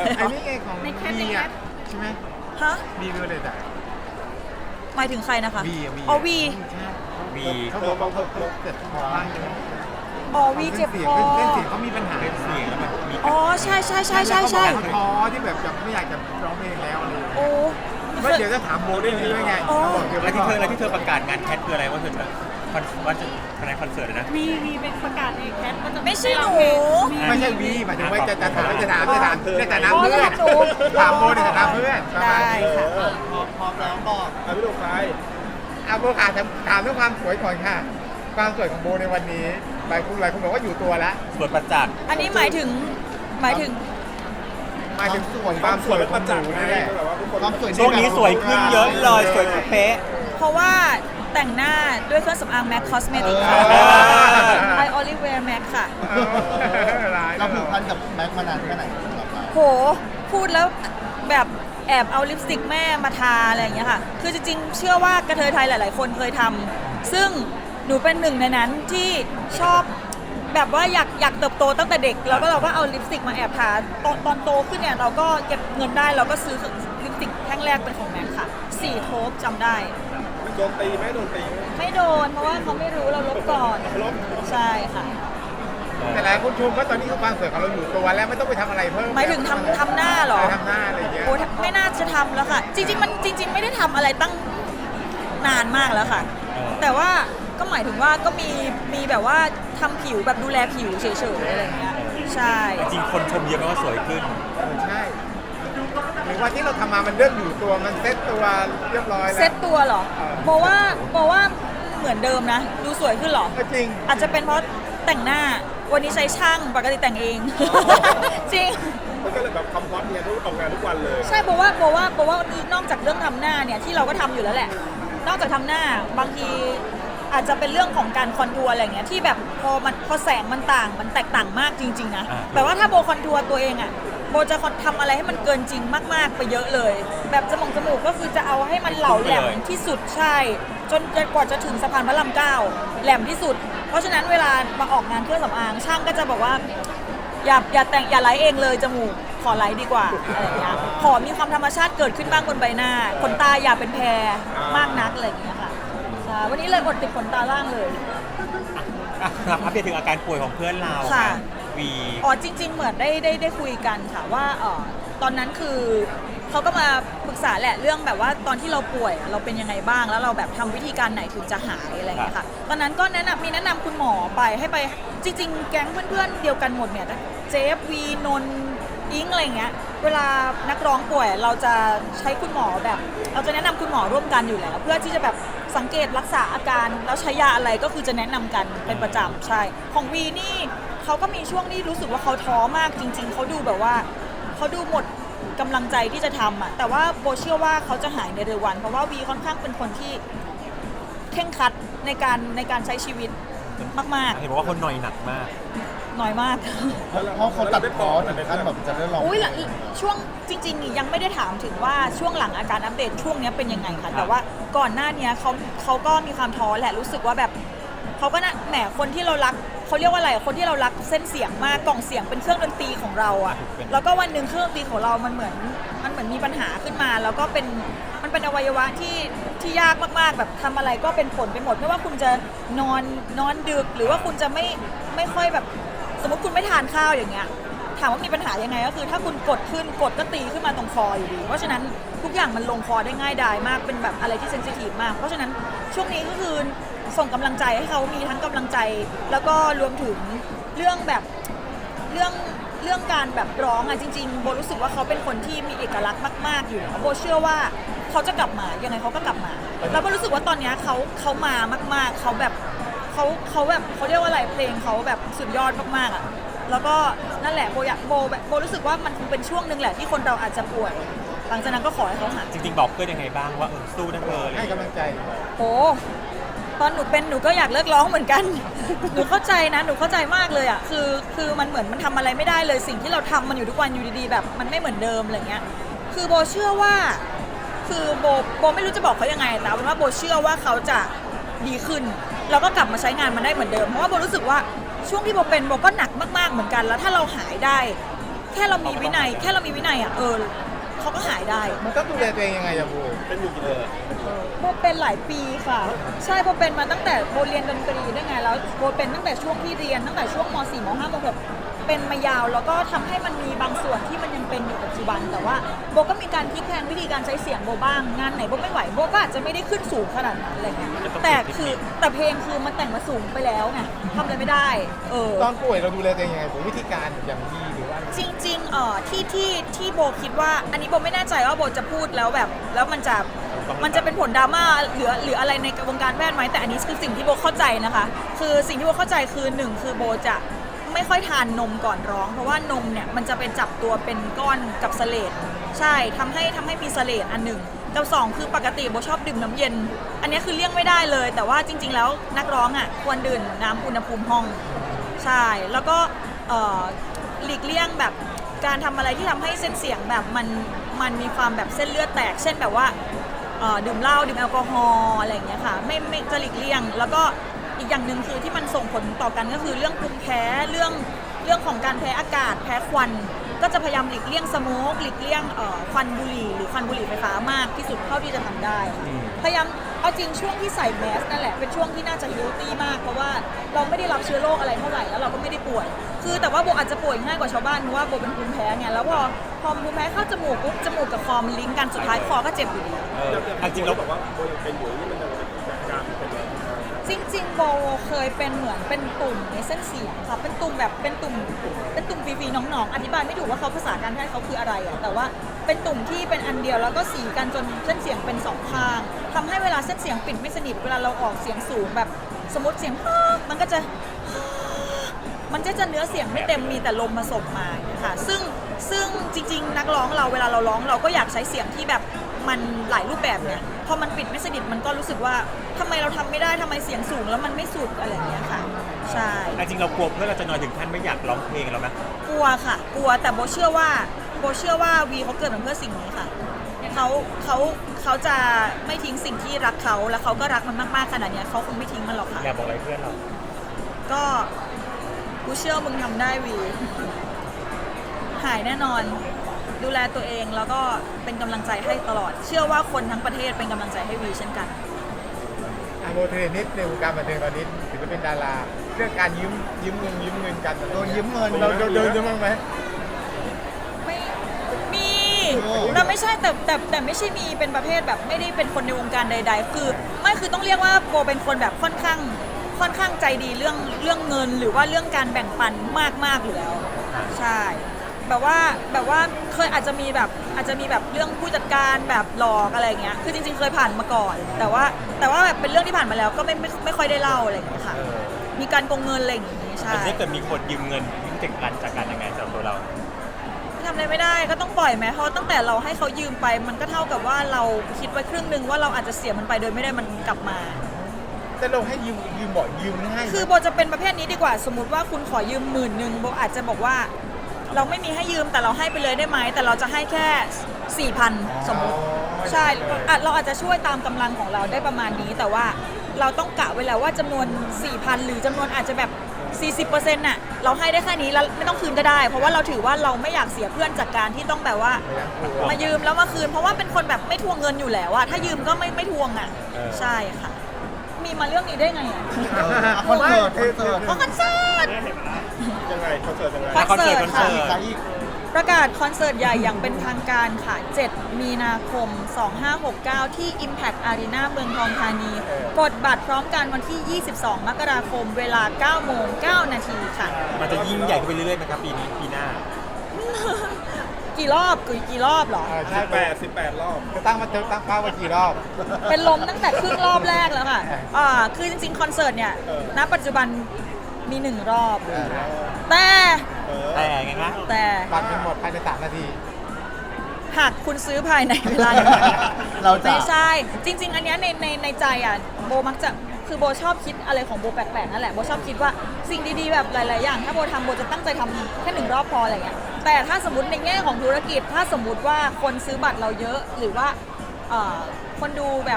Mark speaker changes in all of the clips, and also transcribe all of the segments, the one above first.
Speaker 1: ไอ้นี่ไงของบีอ่ะใช่ไหม
Speaker 2: ฮะ
Speaker 1: บีวิวเลยแต่
Speaker 2: หมายถึงใครนะคะ
Speaker 1: บี
Speaker 2: อ๋อวี
Speaker 1: บีเขาบอกว่าเขาเจ็บคอบ้างใช่ไหม
Speaker 2: อ๋อวีเจ็บคอ
Speaker 1: เส้นเสียงเขามีปัญหาเสียงแล้วแบบมี
Speaker 2: อ๋อใช่ใช่ใช่ใช่ใช่
Speaker 1: ท้อที่แบบไม่อยากจะร้องเพลงแล้วอะไร
Speaker 2: โอ้
Speaker 1: ก็เดี๋ยวจะถามโบด้วยนี่ด้วยไง
Speaker 3: อะไรที่เธอประกาศงานแคทคืออะไรว่าเธอจะว่าจะในคอนเสิร์ตนะ
Speaker 4: มีเป็นประกาศเองแคทว่าจะ
Speaker 2: ไม่ใช่หนู
Speaker 1: ไม่ใช่วีหมายถึงว่าจะถามในฐานะเพื่อนถามโบในฐานะเพื่อน
Speaker 2: ได้ค่ะ
Speaker 1: พร้อมแล้วบอกพี่ลูกชายโบขาถามเรื่องความสวยก่อนค่ะความสวยของโบในวันนี้หลายคนบอกว่าอยู่ตัวแล้ว
Speaker 3: สวยประจักษ์
Speaker 2: อันนี้หมายถึง
Speaker 1: ความสวยประจักษ์นี่แหละความสวย
Speaker 3: ช่วงนี้สวยขึ้นเยอะเลยสวยเป๊ะ
Speaker 2: เพราะว่าแต่งหน้าด้วยเครื่องสำอาง MAC Cosmetic ค่ะ I only wear MAC ค่ะ
Speaker 1: เราผูกพันกับแม็กมานานแค่ไหน
Speaker 2: โหพูดแล้วแบบแอบเอาลิปสติกแม่มาทาอะไรอย่างเงี้ยค่ะคือจริงๆเชื่อว่ากระเทยไทยหลายๆคนเคยทำซึ่งหนูเป็นหนึ่งในนั้นที่ชอบแบบว่าอยากเติบโตตั้งแต่เด็กแล้วก็เราก็เอาลิปสติกมาแอบทาตอนโตขึ้นเนี่ยเราก็เก็บเงินได้เราก็ซื้อลิปสติกแท่งแรกเป็นของแม็กค่ะ4 โทบจำได้
Speaker 1: โดนตีไม่โดนตี
Speaker 2: ไม่โดนเพราะว่าเขาไม่รู้เราลบก่อนใช่ค่ะ
Speaker 1: แต่หลายคนชมว่าตอนนี้ความสวยของเราอยู่ตัวแล้วไม่ต้องไปทำอะไรเพิ่ม
Speaker 2: หมายถึงทำหน้าหรอ
Speaker 1: ทำหน้าอะไรอย่างเงี้ย
Speaker 2: โอ้ไม่น่าจะทำแล้วค่ะจริงๆไม่ได้ทำอะไรตั้งนานมากแล้วค่ะแต่ว่าก็หมายถึงว่าก็มีแบบว่าทำผิวแบบดูแลผิวเฉยๆอะไรอย่างเงี้ยใช่
Speaker 3: จริงคนชมเยอะมากว่าสวยขึ้น
Speaker 1: ใช่หรือว่าที่เราทำมามันเริ่มอยู่ตัวมันเซ็ตตัวเรียบร้อยแล้ว
Speaker 2: เซ็ตตัวเหรอบอกว่าเหมือนเดิมนะดูสวยขึ้นหรอ
Speaker 1: จริง
Speaker 2: อาจจะเป็นเพราะแต่งหน้าวันนี้ใช้ช่างปกติแต่งเองจริง
Speaker 1: มันก็เลยแบบคำพอดเนี่ยต้องออกงานทุกวันเลย
Speaker 2: ใช่บอกว่านอกจากเรื่องทำหน้าเนี่ยที่เราก็ทำอยู่แล้วแหละนอกจากทำหน้าบางทีอาจจะเป็นเรื่องของการคอนทัวร์อะไรเงี้ยที่แบบพอแสงมันต่างมันแตกต่างมากจริงๆนะแต่ว่าถ้าโบคอนทัวร์ตัวเองอ่ะโบจะทำอะไรให้มันเกินจริงมากๆไปเยอะเลยแบบจมูกก็คือจะเอาให้มันเหลาแหลมที่สุดใช่จนกว่าจะถึงสะพานพระราม9แหลมที่สุดเพราะฉะนั้นเวลามาออกงานเครื่องสำอางช่างก็จะบอกว่าอย่าไลท์เองเลยจมูกขอไลท์ดีกว่าอะไรอย่างเงี้ยขอมีความธรรมชาติเกิดขึ้นบ้างบนใบหน้าขนตาอย่าเป็นแพรมากนักอะไรอย่างเงี้ยค่ะวันนี้เลยอดติดขนตาล่างเลย
Speaker 3: ครับอัปเดตถึงอาการป่วยของเพื่อนเรา
Speaker 2: ค่ะ
Speaker 3: วี
Speaker 2: อ๋อจริงๆเหมือนได้คุยกันค่ะว่าตอนนั้นคือเขาก็มาปรึกษาแหละเรื่องแบบว่าตอนที่เราป่วยเราเป็นยังไงบ้างแล้วเราแบบทำวิธีการไหนถึงจะหายอะไรอย่างเงี้ยค่ะตอนนั้นก็แนะนำคุณหมอไปให้ไปจริงๆแก๊งเพื่อนๆเดียวกันหมดเนี่ยเจฟวีนนอิงอะไรเงี้ยเวลานักร้องป่วยเราจะใช้คุณหมอแบบเราจะแนะนำคุณหมอร่วมกันอยู่แล้วเพื่อที่จะแบบสังเกตรักษาอาการแล้วใช้ยาอะไรก็คือจะแนะนำกันเป็นประจำใช่ของวีนี่เขาก็มีช่วงที่รู้สึกว่าเขาท้อมากจริงๆเขาดูแบบว่าเขาดูหมดกำลังใจที่จะทำอ่ะแต่ว่าโบเชื่อว่าเขาจะหายในเร็ววันเพราะว่าวีค่อนข้างเป็นคนที่เคร่งครัดในการใช้ชีวิตมากๆ
Speaker 3: เห็นบอกว่าคนหน่อยหนักมาก
Speaker 2: น้อยมาก
Speaker 1: เพราะเขาตัดคอถึงขั้นแบบจะได้ลอง
Speaker 2: อุ้ยช่วงจริงๆยังไม่ได้ถามถึงว่าช่วงหลังอาการอัปเดตช่วงนี้เป็นยังไงค่ะแต่ว่าก่อนหน้านี้เขาก็มีความท้อแหละรู้สึกว่าแบบเขาก็นะแหมคนที่เรารักเขาเรียกว่าอะไรคนที่เรารักเส้นเสียงมากกล่องเสียงเป็นเครื่องดนตรีของเราอ่ะแล้วก็วันหนึ่งเครื่องดนตรีของเรามันเหมือนมีปัญหาขึ้นมาแล้วก็มันเป็นอวัยวะที่ยากมากๆแบบทำอะไรก็เป็นผลไปหมดไม่ว่าคุณจะนอนดึกหรือว่าคุณจะไม่ค่อยแบบสมมติคุณไม่ทานข้าวอย่างเงี้ยถามว่ามีปัญหายังไงก็คือถ้าคุณกดก็ตีขึ้นมาตรงคออยู่ดีเพราะฉะนั้นทุกอย่างมันลงคอได้ง่ายดายมากเป็นแบบอะไรที่เซนซิทีฟมากเพราะฉะนั้นช่วงนี้ก็คือส่งกำลังใจให้เขามีทั้งกำลังใจแล้วก็รวมถึงเรื่องแบบเรื่องการแบบร้องอ่ะจริงๆโบรู้สึกว่าเขาเป็นคนที่มีเอกลักษณ์มากๆอยู่โบเชื่อว่าเขาจะกลับมายังไงเขาก็กลับมาแล้วโบรู้สึกว่าตอนนี้เขามามากๆเขาแบบเขาแบบเขาเรียกว่าอะไรเพลงเขาแบบสุดยอดมากๆอ่ะแล้วก็นั่นแหละโบรู้สึกว่ามันคงเป็นช่วงนึงแหละที่คนเราอาจจะป่วยหลังจากนั้นก็ขอให้เขาหาย
Speaker 3: จริงๆบอกเพื่อนยังไงบ้างว่าสู้นะเธอ
Speaker 1: ให้กำลังใจ
Speaker 2: โอ้ตอนหนูเป็นหนูก็อยากเลิกร้องเหมือนกันหนูเข้าใจนะหนูเข้าใจมากเลยอ่ะคือมันเหมือนมันทำอะไรไม่ได้เลยสิ่งที่เราทำมันอยู่ทุกวันอยู่ดีๆแบบมันไม่เหมือนเดิมอะไรเงี้ยคือโบเชื่อว่าคือโบไม่รู้จะบอกเขายังไงแต่ว่าโบเชื่อว่าเขาจะดีขึ้นแล้วก็กลับมาใช้งานมันได้เหมือนเดิมเพราะว่าโบรู้สึกว่าช่วงที่โบเป็นโบก็หนักมากๆเหมือนกันแล้วถ้าเราหายได้แค่เรามีวินัยอ่ะเขาก็หายได้
Speaker 1: มันต้องดูแลตัวเองยังไงอะโบ
Speaker 3: เป็นอยู่กี่เดือน
Speaker 2: โบเป็นหลายปีค่ะ ใช่โบเป็นมาตั้งแต่โบเรียนดนตรีด้วยไงแล้วโบเป็นตั้งแต่ช่วงที่เรียนตั้งแต่ช่วงม .4 ม .5 ม .6 เป็นมายาวแล้วก็ทำให้มันมีบางส่วนที่มันยังเป็นอยู่ปัจจุบันแต่ว่าโบก็มีการพลิกแพลงวิธีการใช้เสียงโบบ้างงานไหนโบไม่ไหวโบก็อาจจะไม่ได้ขึ้นสูงขนาดนั้นอะไรเงี้ยแต่เพลงคือมันแต่งมาสูงไปแล้วไงทำอะไรไม่ได้
Speaker 1: ตอนป่วยเราดูแลตัวเองยังไงผมวิธีการอย่างดีหรือว่า
Speaker 2: จริงๆที่โบคิดว่าอันนี้โบไม่แน่ใจว่าโบจะพูดแล้วแบบแล้วมันจะเป็นผลดราม่าหรืออะไรในวงการแพทย์ไหมแต่อันนี้คือสิ่งที่โบเข้าใจนะคะคือสิ่งที่โบเข้าใจคือหนึ่งคือโบจะไม่ค่อยทานนมก่อนร้องเพราะว่านมเนี่ยมันจะเป็นจับตัวเป็นก้อนกับเสลดใช่ทำให้มีเสลดอันหนึ่งกับสองคือปกติโบชอบดื่มน้ำเย็นอันนี้คือเลี่ยงไม่ได้เลยแต่ว่าจริงๆแล้วนักร้องอ่ะควรดื่มน้ำอุณหภูมิห้องใช่แล้วก็หลีกเลี่ยงแบบการทำอะไรที่ทำให้เส้นเสียงแบบมันมีความแบบเส้นเลือดแตกเช่นแบบว่าดื่มเหล้าดื่มแอลกอฮอล์อะไรอย่างเงี้ยค่ะไม่จะหลีกเลี่ยงแล้วก็อีกอย่างหนึ่งคือที่มันส่งผลต่อกันก็คือเรื่องภูมิแพ้เรื่องของการแพ้อากาศแพ้ควันก็จะพยายามหลีกเลี่ยงสโมกหลีกเลี่ยงควันบุหรี่หรือควันบุหรี่ไฟฟ้ามากที่สุดเท่าที่จะทำได้พยายามเอาจริงช่วงที่ใส่แมสนั่นแหละเป็นช่วงที่น่าจะเฮลตี้มากเพราะว่าเราไม่ได้รับเชื้อโรคอะไรเท่าไหร่แล้วเราก็ไม่ได้ป่วยคือแต่ว่าโบอาจจะป่วยง่ายกว่าชาวบ้านเพราะว่าโบเป็นภูมิแพ้ไงแล้วพอภูมิแพ้เข้าจมูกปุ๊บจมูกกับคอมันลิงก์กันสุดท้ายคอก็เจ็บอยู่ดี
Speaker 3: จริงๆแล้วแบบว่า
Speaker 2: จริงๆโบเคยเป็นเหมือนเป็นตุ่มในเส้นเสียงค่ะเป็นตุ่มแบบเป็นตุ่มฟีๆหนองๆอธิบายไม่ถูกว่าเขาภาษาการแพทย์เขาคืออะไรอะแต่ว่าเป็นตุ่มที่เป็นอันเดียวแล้วก็สีกันจนเส้นเสียงเป็นสองข้างทำให้เวลาเส้นเสียงปิดไม่สนิทเวลาเราออกเสียงสูงแบบสมมติเสียงมันก็จะเนื้อเสียงไม่เต็มมีแต่ลมผสมมาค่ะซึ่งจริงๆนักร้องเราเวลาเราร้องเราก็อยากใช้เสียงที่แบบมันหลายรูปแบบเนี่ยพอมันปิดไม่สนิทมันก็รู้สึกว่าทำไมเราทำไม่ได้ทำไมเสียงสูงแล้วมันไม่สุดอะไรอย่างเงี้ยค่ะใช่
Speaker 3: จริงๆเรากลัวเพื่อนเราจะนอยถึงขั้นไม่อยากร้องเพลงแล้วไหม
Speaker 2: กลัวค่ะกลัวแต่โบเชื่อว่าวีเขาเกิดมาเพื่อสิ่งนี้ค่ะเขาจะไม่ทิ้งสิ่งที่รักเขาแล้วเขาก็รักมันมากๆขนาดเนี้ยเขาคงไม่ทิ้งมันหรอกค่ะ
Speaker 3: อยากบอกอะไรเพื่อนเรา
Speaker 2: ก็กูเชื่อมึงทำได้วีหายแน่นอนดูแลตัวเองแล้วก็เป็นกำลังใจให้ตลอดเชื่อว่าคนทั้งประเทศเป็นกำลังใจให้วีเช่นกัน
Speaker 1: โบเทรนนิสในวงการบันเทิงตอนนี้ถือว่าเป็นดาราเรื่องการยืมเงินกันโดนยืมเงินเราโดนบ้างไหม
Speaker 2: ไม่มีเราไม่ใช่แต่ไม่ใช่มีเป็นประเภทแบบไม่ได้เป็นคนในวงการใดๆคือต้องเรียกว่าโบเป็นคนแบบค่อนข้างใจดีเรื่องเงินหรือว่าเรื่องการแบ่งปันมากอยู่แล้วใช่แบบว่าเคยอาจจะมีแบบเรื่องผู้จัดการแบบหลอกอะไรเงี้ยคือจริงๆเคยผ่านมาก่อนแต่ว่าแบบเป็นเรื่องที่ผ่านมาแล้วก็ไม่ค่อยได้เล่าอะไรอย่างเงี้ยค่ะมีการโกงเงินอะไรอย่างงี้ใช่
Speaker 3: แต่ถ้าเกิดมีคนยืมเงินยืมจากการยังไงสำหรับตัวเรา
Speaker 2: ทำอะไรไม่ได้ก็ต้องปล่อยไหมเพราะตั้งแต่เราให้เขายืมไปมันก็เท่ากับว่าเราคิดไว้ครึ่งนึงว่าเราอาจจะเสียมันไปโดยไม่ได้มันกลับมา
Speaker 1: แต่เราให้ยืมบ่อยยืมง่าย
Speaker 2: คือโบจะเป็นประเภทนี้ดีกว่าสมมติว่าคุณขอยืม10,000โบอาจจะบอกว่าเราไม่มีให้ยืมแต่เราให้ไปเลยได้ไหมแต่เราจะให้แค่ 4,000 สมมติใช่เราอาจจะช่วยตามกำลังของเราได้ประมาณนี้แต่ว่าเราต้องกะไว้แล้วว่าจำนวน 4,000 หรือจำนวนอาจจะแบบ 40% น่ะเราให้ได้แค่นี้แล้วไม่ต้องคืนก็ได้เพราะว่าเราถือว่าเราไม่อยากเสียเพื่อนจากการที่ต้องแบบว่ามายืมแล้วมาคืนเพราะว่าเป็นคนแบบไม่ทวงเงินอยู่แล้วอะถ้ายืมก็ไม่ทวงอะใช่ค่ะมีมาเรื่องนี้ได้ไงอะ
Speaker 1: คอนเสิร์ต
Speaker 2: คอนเสิร์ต
Speaker 3: ยังไงคอนเสิร์ตยังไง
Speaker 2: คอนเสิร์ตค่ะ
Speaker 1: อีก
Speaker 2: ประกาศคอนเสิร์ตใหญ่อย่างเป็นทางการค่ะ 7 มีนาคม 2569 ที่ Impact Arena เมืองทองธานี กดบัตรพร้อมกันวันที่ 22 มกราคม เวลา 9 โมง 9 นาทีค่ะ
Speaker 3: มันจะยิ่งใหญ่ขึ้นไปเรื่อยๆไหมครับปีหน้า
Speaker 2: กี่รอบเหรอ
Speaker 1: ใช่18 รอบจะตั้งเป้าไว้กี่รอบ
Speaker 2: เป็นลมตั้งแต่ครึ่งรอบแรกแล้วค่ะคือจริงๆ คอนเสิร์ตเนี่ย ณ ปัจจุบันมี 1 รอบ แต่
Speaker 3: ไงนะ
Speaker 1: บัตรมันหมดภายใน3 นาที
Speaker 2: หากคุณซื้อภายในเวลาหนึ่ง
Speaker 1: เราจะ
Speaker 2: ไม่ใช่ จริง ๆ อันเนี้ยในใจอ่ะโบมักจะคือโบชอบคิดอะไรของโบแปลกๆนั่นแหละโบชอบคิดว่าสิ่งดีๆแบบหลายๆอย่างถ้าโบทำโบจะตั้งใจทำแค่1 รอบพออะไรเงี้ยแต่ถ้าสมมติในแง่ของธุรกิจถ้าสมมติว่าคนซื้อบัตรเราเยอะหรือว่าคนดูแบบ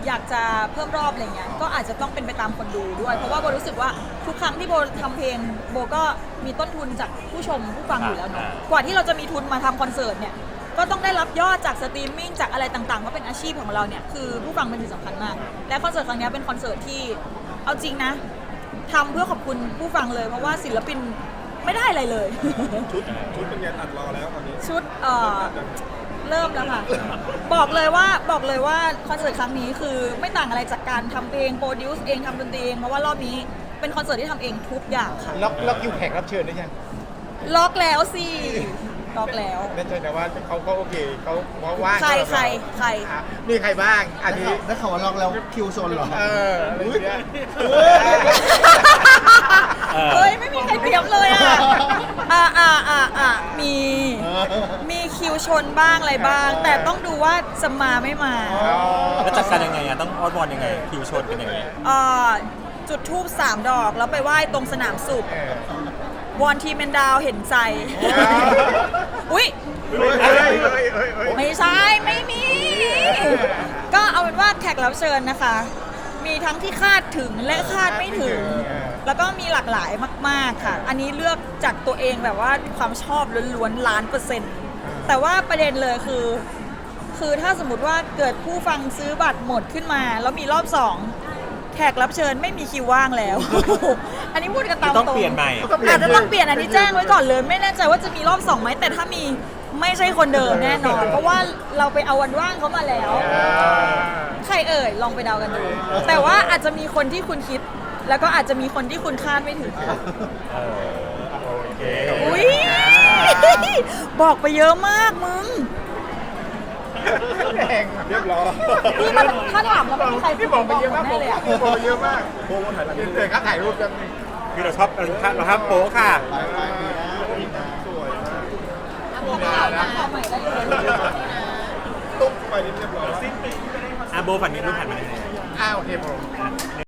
Speaker 2: อยากจะเพิ่มรอบอะไรเงี้ยก็อาจจะต้องเป็นไปตามคนดูด้วย เพราะว่าโบรู้สึกว่าทุกครั้งที่โบทำเพลงโบก็มีต้นทุนจากผู้ชมผู้ฟังอยู่แล้วเนาะกว่าที่เราจะมีทุนมาทำคอนเสิร์ตเนี่ยก็ต้องได้รับยอดจากสตรีมมิ่งจากอะไรต่างๆเพราะเป็นอาชีพของเราเนี่ยคือผู้ฟังเป็นสิ่งสำคัญมากและคอนเสิร์ตครั้งนี้เป็นคอนเสิร์ตที่เอาจริงนะทำเพื่อขอบคุณผู้ฟังเลยเพราะว่าศิลปินไม่ได้อะไรเลย
Speaker 1: ชุดเป็นไงอัดรอแล้วตอนนี้
Speaker 2: ชุดเริ่มแล้วค่ะ บอกเลยว่าคอนเสิร์ตครั้งนี้คือไม่ต่างอะไรจากการทำเองโปรดิวซ์เองทำดนตรีเองเพราะว่ารอบนี้เป็นคอนเสิร์ตที่ทำเองทุกอย่างค่ะ
Speaker 1: ล็อกคิวแขกรับเชิญได้ยัง
Speaker 2: ล็อกแล้วสิล็อกแล้ว
Speaker 1: แน่ใจนะว่าเขาโอเคเขาว่าง
Speaker 2: ใคร
Speaker 1: อ่ะมีใครบ้างอันนี้
Speaker 5: ได้ข่าวว่าล็อกแล้วคิวชนเหรอ
Speaker 1: อะไรอย่างเงี้ย
Speaker 2: เฮ้ยไม่มีใครเตรียมเลยอ่ะมีคิวชนบ้างอะไรบ้าง แต่ต้องดูว่าจะมาไม่มา
Speaker 3: แล้วจัดการยังไงต้องออนบอลยังไงคิวชนกันยังไง
Speaker 2: จุดทูบ3 ดอกแล้วไปไหว้ตรงสนามสุขวอนทีมเมนดาวเห็นใจ อุ๊ย ไม่ใช่ ไม่มี ก็เอาเป็นว่าแขกรับเชิญนะคะ มีทั้งที่คาดถึงและคาดไม่ถึง แล้วก็มีหลากหลายมากๆค่ะ อันนี้เลือกจากตัวเองแบบว่าความชอบล้วนๆ1,000,000%แต่ว่าประเด็นเลยคือถ้าสมมติว่าเกิดผู้ฟังซื้อบัตรหมดขึ้นมาแล้วมีรอบ 2 แขกรับเชิญไม่มีคิวว่างแล้ว อันนี้พูดกันตามตรง
Speaker 3: ต้องเปลี่ยนใหม่
Speaker 2: อาจจะต้องเปลี่ยนอันนี้แจ้งไว้ก่อนเลย ไม่แน่ใจว่าจะมีรอบ 2ไหมแต่ถ้ามีไม่ใช่คนเดิมแน่นอน เพราะว่าเราไปเอาวันว่างเขามาแล้ว ใครเอ่ยลองไปเดากันดู แต่ว่าอาจจะมีคนที่คุณคิด แล้วก็อาจจะมีคนที่คุณคาดไม่ถึง
Speaker 3: โอเค
Speaker 2: อุ้ยบอกไปเยอะมากมึง
Speaker 1: แรงเรียบร้อย
Speaker 2: พี่มันถ้าถามแล้วไม่มีใคร
Speaker 1: พี่บอกไปเยอะมาก
Speaker 2: แน่เลยอะ
Speaker 1: พี่บอกไปเยอะมากโบถ่ายรูปเลยครับถ่ายรูปกัน
Speaker 3: คือเราชอบเราห้ามโป๊ค่ะ
Speaker 2: ข่าวใหม่ได้เลย
Speaker 1: ตุ๊บไปนี่เรียบร้อย
Speaker 3: โบฝั่งนี้รูปผ่านมา
Speaker 1: โอเคผม